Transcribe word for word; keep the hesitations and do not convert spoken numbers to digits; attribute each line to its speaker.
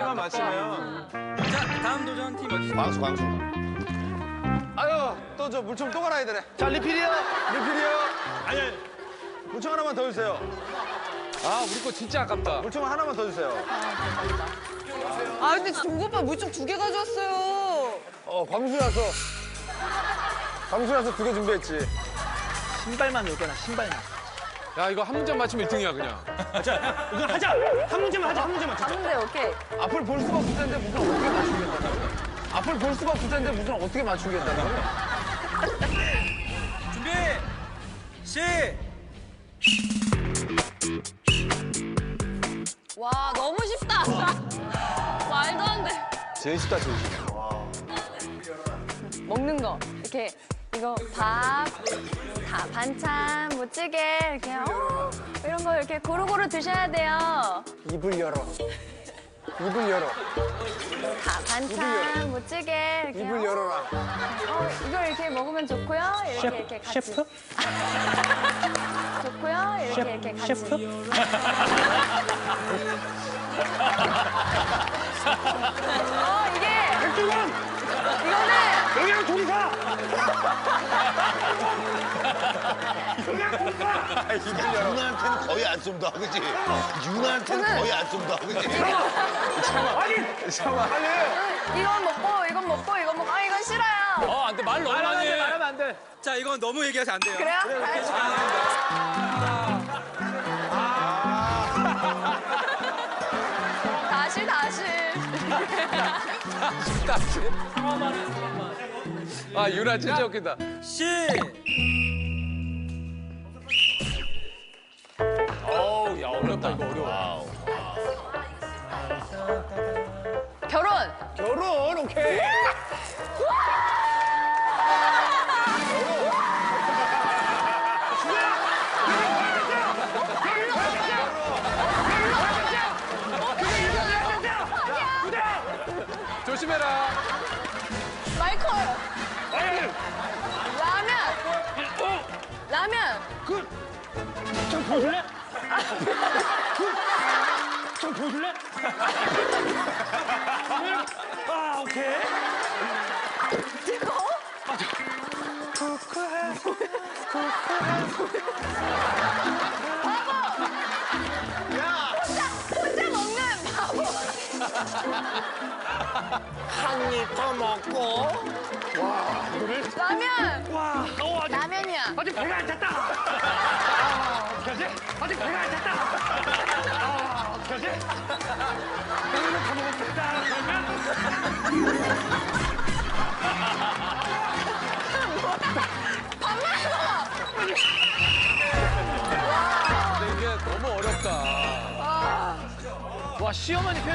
Speaker 1: 하나만 맞히면.
Speaker 2: 자, 다음 도전 팀 어디?
Speaker 3: 광수, 광수.
Speaker 1: 아유, 또 저 물총 또 갈아야 되네.
Speaker 3: 자, 리필이요.
Speaker 1: 리필이요. 아니, 아니. 물총 하나만 더 주세요.
Speaker 4: 아, 우리 거 진짜 아깝다.
Speaker 1: 물총 하나만 더 주세요.
Speaker 5: 아 근데 동구 오빠 물총 두 개 가져왔어요.
Speaker 1: 어, 광수라서. 광수라서 두 개 준비했지.
Speaker 6: 신발만 넣을 거나 신발만.
Speaker 4: 야, 이거 한 문제만 맞추면 일 등이야, 그냥.
Speaker 6: 자, 이거 하자. 한 문제만 하자. 한 문제만. 자,
Speaker 5: 근데 오케이.
Speaker 1: 앞을 볼 수가 없을 텐데 무슨 어떻게 맞추겠다는 거야? 앞을 볼 수가 없을 텐데 무슨 어떻게 맞추겠다는 거야?
Speaker 2: 준비. 시.
Speaker 5: 와 너무 쉽다. 말도 안 돼.
Speaker 1: 제일 쉽다, 제일 쉽다.
Speaker 5: 먹는 거 이렇게 이거 밥, 다 반찬, 뭐 찌개 이렇게 어, 이런 거 이렇게 고루고루 드셔야 돼요.
Speaker 1: 입을 열어. 입을 열어.
Speaker 5: 다 반찬, 뭐 찌개 이렇게
Speaker 1: 입을
Speaker 5: 어,
Speaker 1: 열어라.
Speaker 5: 어, 이걸 이렇게 먹으면 좋고요. 이렇게 이렇게 같이.
Speaker 6: 셰프?
Speaker 5: 좋고요. 이렇게 이렇게 같이.
Speaker 6: 셰프?
Speaker 5: 어 이게
Speaker 6: 백종원!
Speaker 5: 이거는
Speaker 6: 영양 동사! 영양 동사!
Speaker 3: 유나한테는 거의 안 쏜다, 그지? 유나한테는
Speaker 5: 저는-
Speaker 3: 거의 안 쏜다, 그지?
Speaker 6: 아니!
Speaker 1: 잠깐만. 아니.
Speaker 5: 이건 먹고 이건 먹고 이건 먹고 아 이건 싫어요.
Speaker 4: 어, 안 돼. 말 너무 많이 해.
Speaker 1: 말하면 안 돼.
Speaker 2: 자, 이건 너무 얘기하면 안 돼요.
Speaker 5: 그래요? 다시 다시.
Speaker 4: 다시. 아, 유나 진짜 웃긴다.
Speaker 2: 시.
Speaker 4: 어우, 야, 어렵다, 이거 어려워.
Speaker 3: 와우.
Speaker 5: 결혼.
Speaker 1: 결혼, 오케이.
Speaker 4: 조심해라.
Speaker 5: 마이콜. 라면. 라면.
Speaker 6: 좀 보여줄래? 좀 보여줄래? 아, 오케이.
Speaker 5: 뜨거워? 혼자 먹는 바보.
Speaker 3: 한 입 더 먹고.
Speaker 5: 라면.
Speaker 6: 와, 어, 아직,
Speaker 5: 라면이야.
Speaker 6: 아직 배가 안 찼다. 아, 어떡하지? 아직 배가 안 찼다. 아, 어떡하지? 오늘은 다 먹었겠다. 그러면
Speaker 5: 밥 먹어.
Speaker 4: 근데 이게 너무 어렵다.
Speaker 6: 와, 시어머니 표현